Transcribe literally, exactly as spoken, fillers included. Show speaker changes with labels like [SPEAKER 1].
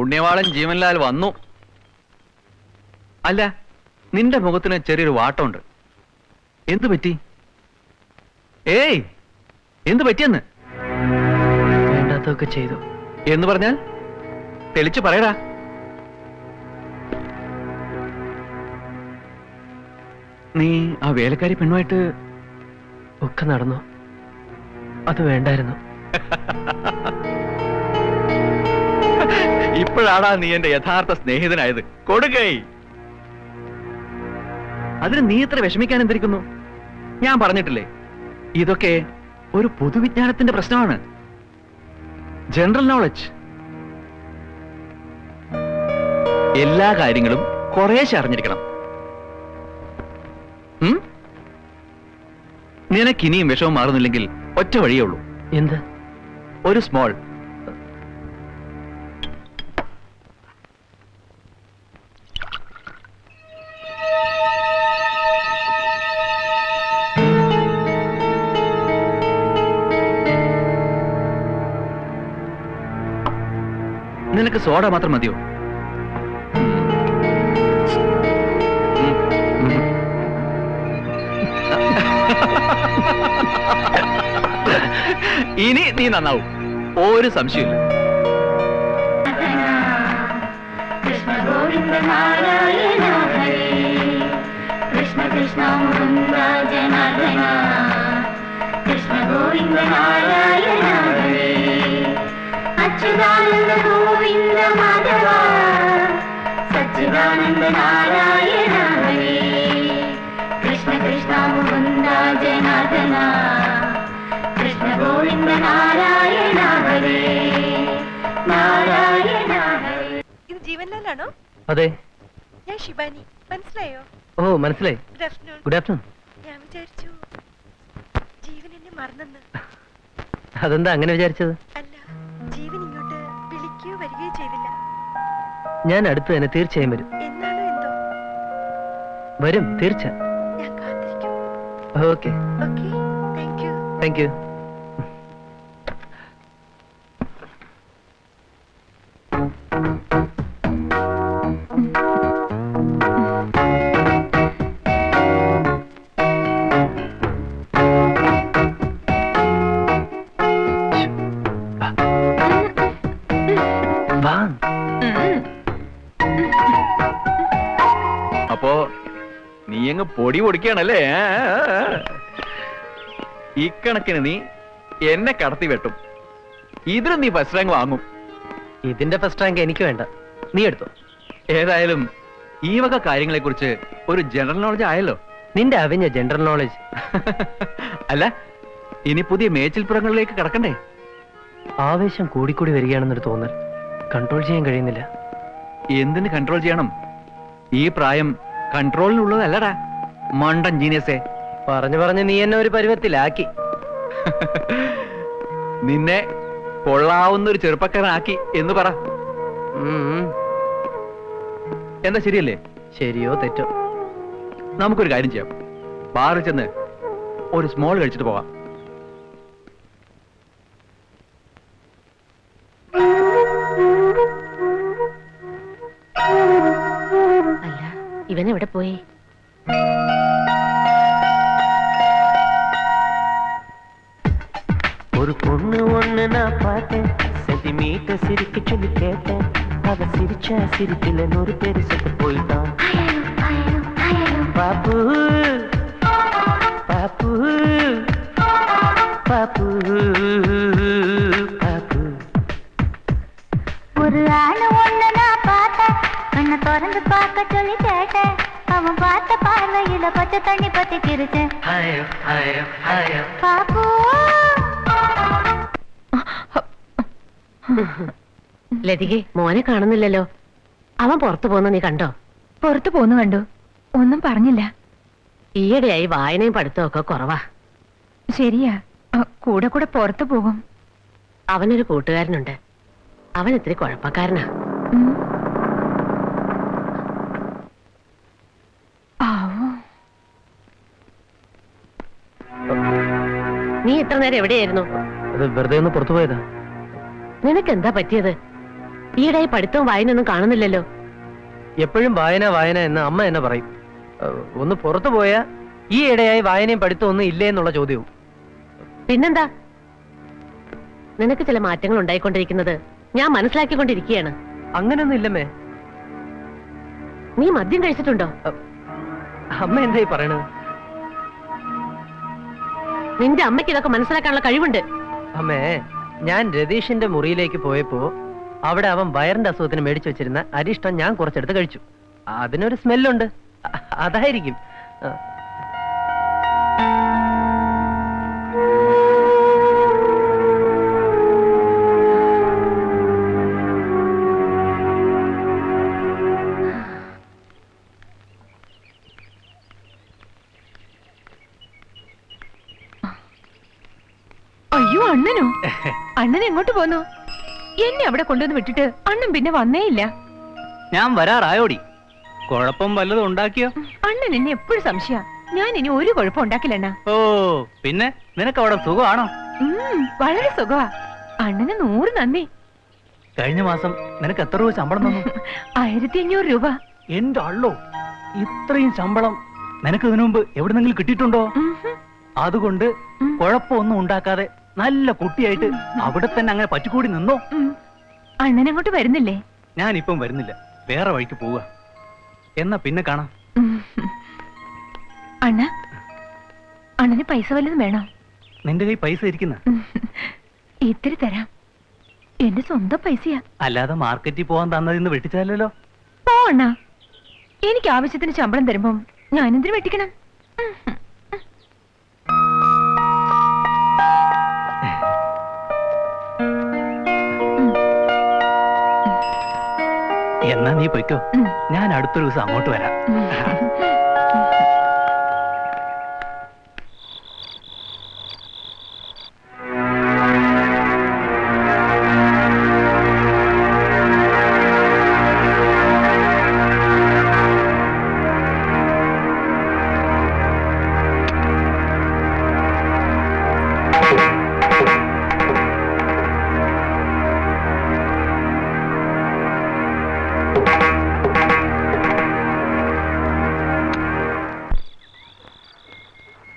[SPEAKER 1] പുണ്യവാളൻ ജീവൻലാൽ വന്നു. അല്ല, നിന്റെ മുഖത്തിന് ചെറിയൊരു വാട്ടമുണ്ട്. എന്തു പറ്റി? ഏയ്, എന്തു പറ്റിയെന്ന്?
[SPEAKER 2] വേണ്ടാത്തൊക്കെ ചെയ്തു
[SPEAKER 1] എന്ന് പറഞ്ഞാൽ തെളിച്ചു പറയടാ. നീ ആ വേലക്കാരി പെണ്ണുമായിട്ട്
[SPEAKER 2] ഒക്കെ നടന്നു. അത് വേണ്ടായിരുന്നു.
[SPEAKER 1] ഇപ്പോഴാടാ നീ എന്റെ യഥാർത്ഥ സ്നേഹിതനായത്. കൊടുക്കൈ. അതിന് നീ ഇത്ര വിഷമിക്കാൻ എന്തിരിക്കുന്നു? ഞാൻ പറഞ്ഞിട്ടില്ലേ, ഇതൊക്കെ ഒരു പൊതുവിജ്ഞാനത്തിന്റെ പ്രശ്നമാണ്. General knowledge. എല്ലാ കാര്യങ്ങളും കുറേശ്ശെ അറിഞ്ഞിരിക്കണം. നിനക്കിനിയും വിഷമം മാറുന്നില്ലെങ്കിൽ ഒറ്റ വഴിയേ ഉള്ളൂ.
[SPEAKER 2] എന്ത്?
[SPEAKER 1] ഒരു സ്മോൾ നിനക്ക് സോഡ മാത്രം മതിയോ? ഇനി നീ നന്നാവും, ഒരു സംശയമില്ല.
[SPEAKER 3] കൃഷ്ണ ഗോവിന്ദ നാരായണ ഹരേ കൃഷ്ണ കൃഷ്ണ മുകുന്ദ ജനാർദ്ദന കൃഷ്ണ ഗോവിന്ദ നാരായണ ഹരേ അച്യുതാനന്ദ ഗോവിന്ദ മാധവ സച്ചിദാനന്ദ നാരായണ ഹരേ കൃഷ്ണ കൃഷ്ണ മുകുന്ദ ജനാർദ്ദന കൃഷ്ണ ഗോവിന്ദ നാരായണ ഹരേ നാരായണ ഹരേ.
[SPEAKER 4] ഇത് ജീവൻലാലാണോ?
[SPEAKER 2] അതെ.
[SPEAKER 4] ഞാൻ ശിബാനി. മനസ്സിലായോ?
[SPEAKER 2] ഓ, മനസ്സിലായി.
[SPEAKER 4] Good afternoon.
[SPEAKER 2] Good afternoon.
[SPEAKER 4] ഞാൻ വിചാരിച്ചു ജീവൻ എന്നെ മറന്നെന്ന്.
[SPEAKER 2] അതെന്താ അങ്ങനെ വിചാരിച്ചത്?
[SPEAKER 4] അല്ല, ജീവൻ ഇങ്ങോട്ട് വിളിക്കുകയോ വരികയോ ചെയ്തില്ല.
[SPEAKER 2] ഞാൻ അടുത്ത് തന്നെ തീർച്ചയായും വരും.
[SPEAKER 4] എന്നാണോ എന്തോ?
[SPEAKER 2] വരും, തീർച്ച.
[SPEAKER 4] ഞാൻ കാത്തിരിക്കും.
[SPEAKER 2] Okay.
[SPEAKER 4] Okay, thank you.
[SPEAKER 2] Thank you.
[SPEAKER 1] അപ്പോ നീ അങ്ങ് പൊടി പൊടിക്കുകയാണല്ലേ? ഇക്കണക്കിന് നീ എന്നെ കടത്തി വെട്ടും. ഇതിന് നീ ഫസ്റ്റ് റാങ്ക് വാങ്ങും.
[SPEAKER 2] ഇതിന്റെ ഫസ്റ്റ് റാങ്ക് എനിക്ക് വേണ്ട, നീ എടുത്തോ.
[SPEAKER 1] ഏതായാലും ഈ വക കാര്യങ്ങളെ കുറിച്ച് ഒരു ജനറൽ നോളജ് ആയല്ലോ.
[SPEAKER 2] നിന്റെ അവിഞ്ഞ ജനറൽ നോളജ്.
[SPEAKER 1] അല്ല, ഇനി പുതിയ മേച്ചിൽപ്പുറങ്ങളിലേക്ക് കടക്കണ്ടേ?
[SPEAKER 2] ആവേശം കൂടിക്കൂടി വരികയാണെന്നൊരു തോന്നൽ കൺട്രോൾ ചെയ്യാൻ കഴിയുന്നില്ല.
[SPEAKER 1] എന്തിന് കൺട്രോൾ ചെയ്യണം? ഈ പ്രായം കൺട്രോളിനുള്ളതല്ലടാ മണ്ടൻ ജീനിയസേ.
[SPEAKER 2] പറഞ്ഞു പറഞ്ഞ് നീ എന്നെ ഒരു പരുവത്തിലാക്കി.
[SPEAKER 1] നിന്നെ കൊള്ളാവുന്ന ഒരു ചെറുപ്പക്കാരനാക്കി എന്ന് പറ. എന്താ ശരിയല്ലേ?
[SPEAKER 2] ശരിയോ തെറ്റോ?
[SPEAKER 1] നമുക്കൊരു കാര്യം ചെയ്യാം. ബാറിൽ ചെന്ന് ഒരു സ്മോൾ കഴിച്ചിട്ട് പോവാം.
[SPEAKER 3] അല്ല, ഇവൻ എവിടെ പോയി?
[SPEAKER 5] ஒரு பொண்ணு ஒண்ணு நான் பார்த்தேன், சென்டிமீட்டர் சிரிக்க சொல்லி கேட்டேன். அவ சிரிச்சா சிரிக்கல நூறு பேரு செத்து போயிட்டான். பாப்பு பாப்பு பாப்பு பாப்பு.
[SPEAKER 3] ஒரு ஆளு ஒண்ணு நான் பார்த்தேன், கண்ணை திறந்து பார்க்க சொல்லி கேட்டேன். அவன் பார்த்த பார்வையில பச்சை தண்ணி பத்தி கிரிச்சேன். பாப்பு
[SPEAKER 6] ലതികെ, മോനെ കാണുന്നില്ലല്ലോ. അവൻ പുറത്തു പോന്ന നീ കണ്ടോ?
[SPEAKER 4] പുറത്തു പോന്നു കണ്ടു. ഒന്നും പറഞ്ഞില്ല.
[SPEAKER 6] ഈയിടെയായി വായനയും പഠിത്തവും ഒക്കെ കുറവാ.
[SPEAKER 4] ശരിയാ, കൂടെ കൂടെ പുറത്തു പോകും.
[SPEAKER 6] അവനൊരു കൂട്ടുകാരനുണ്ട്. അവൻ ഇത്തിരി കുഴപ്പക്കാരനാ. നീ ഇത്ര നേരം എവിടെയായിരുന്നു?
[SPEAKER 2] അത് വെറുതെ ഒന്ന് പുറത്തു പോയതാ.
[SPEAKER 6] നിനക്ക് എന്താ പറ്റിയത്? ഈയിടെ പഠിത്തവും വായനയൊന്നും കാണുന്നില്ലല്ലോ.
[SPEAKER 2] എപ്പോഴും വായന വായന എന്ന് അമ്മ എന്നെ പറയും. ഏഹ്, ഒന്ന് പുറത്തു പോയാ ഈ ഇടയായി വായനയും പഠിത്തവും ഒന്നും ഇല്ലേ എന്നുള്ള ചോദ്യവും.
[SPEAKER 6] പിന്നെന്താ, നിനക്ക് ചില മാറ്റങ്ങൾ ഉണ്ടായിക്കൊണ്ടിരിക്കുന്നത് ഞാൻ മനസ്സിലാക്കിക്കൊണ്ടിരിക്കുകയാണ്.
[SPEAKER 2] അങ്ങനെയൊന്നും ഇല്ലമ്മേ.
[SPEAKER 6] നീ മദ്യം കഴിച്ചിട്ടുണ്ടോ?
[SPEAKER 2] അമ്മ എന്തായി പറയണത്?
[SPEAKER 6] നിന്റെ അമ്മയ്ക്ക് ഇതൊക്കെ മനസ്സിലാക്കാനുള്ള കഴിവുണ്ട്.
[SPEAKER 2] അമ്മേ, ഞാൻ രതീഷിന്റെ മുറിയിലേക്ക് പോയപ്പോ അവിടെ അവൻ വയറിന്റെ അസുഖത്തിന് മേടിച്ചു വെച്ചിരുന്ന അരിഷ്ടം ഞാൻ കുറച്ചെടുത്ത് കഴിച്ചു. അതിനൊരു സ്മെല്ലുണ്ട്. അ- അതായിരിക്കും. ആ.
[SPEAKER 4] അയ്യോ അണ്ണനോ? അണ്ണൻ എങ്ങോട്ട് പോന്നു? എന്നെ അവിടെ കൊണ്ടുവന്ന് വിട്ടിട്ട് അണ്ണൻ പിന്നെ വന്നേയില്ല.
[SPEAKER 1] ഞാൻ വരാറായോടി. കുഴപ്പം വല്ലതും ഉണ്ടാക്കിയോ?
[SPEAKER 4] അണ്ണൻ എന്നെ എപ്പോഴും സംശയ. ഞാൻ ഇനി ഒരു കുഴപ്പം ഉണ്ടാക്കില്ല അണ്ണ.
[SPEAKER 1] ഓ, പിന്നെ നിനക്ക് അവിടെ സുഖമാണോ?
[SPEAKER 4] ഉം, വളരെ സുഖമാ. അണ്ണന് നൂറ് നന്ദി.
[SPEAKER 1] കഴിഞ്ഞ മാസം നിനക്ക് എത്ര രൂപ ശമ്പളം തന്നു?
[SPEAKER 4] ആയിരത്തി അഞ്ഞൂറ് രൂപ.
[SPEAKER 1] എന്റെ അള്ളോ, ഇത്രയും ശമ്പളം നിനക്ക് ഇതിനു മുമ്പ് എവിടെന്നെങ്കിലും കിട്ടിയിട്ടുണ്ടോ?
[SPEAKER 4] ഉം ഹും.
[SPEAKER 1] അതുകൊണ്ട്
[SPEAKER 4] ഉം.
[SPEAKER 1] കുഴപ്പമൊന്നും ഉണ്ടാക്കാതെ നല്ല കുട്ടിയായിട്ട് അവിടെ തന്നെ അങ്ങനെ പറ്റിക്കൂടി നിന്നോ?
[SPEAKER 4] ഉം. അണ്ണൻ അങ്ങോട്ട് വരുന്നില്ലേ?
[SPEAKER 1] ഞാനിപ്പം വരുന്നില്ല, വേറെ വഴിക്ക് പോവുക. എന്നാ പിന്നെ കാണാം.
[SPEAKER 4] ഉം. അണ്ണ, അണ്ണന് പൈസ വല്ലതും വേണോ?
[SPEAKER 1] നിന്റെ കൈ പൈസ ഇരിക്കുന്ന?
[SPEAKER 4] ഉം. ഇത്തിരി തരാം. എന്റെ സ്വന്തം പൈസയാ.
[SPEAKER 1] അല്ലാതെ മാർക്കറ്റിൽ പോവാൻ തന്നതിന്ന് വെട്ടിച്ചാലല്ലോ.
[SPEAKER 4] പോ അണ്ണ. എനിക്ക് ആവശ്യത്തിന് ശമ്പളം തരുമ്പം ഞാനെന്തിനു വെട്ടിക്കണം? ഉം ഹും.
[SPEAKER 1] എന്നാ നീ പൊയ്ക്കോ,
[SPEAKER 4] ഉം.
[SPEAKER 1] ഞാൻ അടുത്തൊരു ദിവസം അങ്ങോട്ട് വരാം.
[SPEAKER 4] ഉം.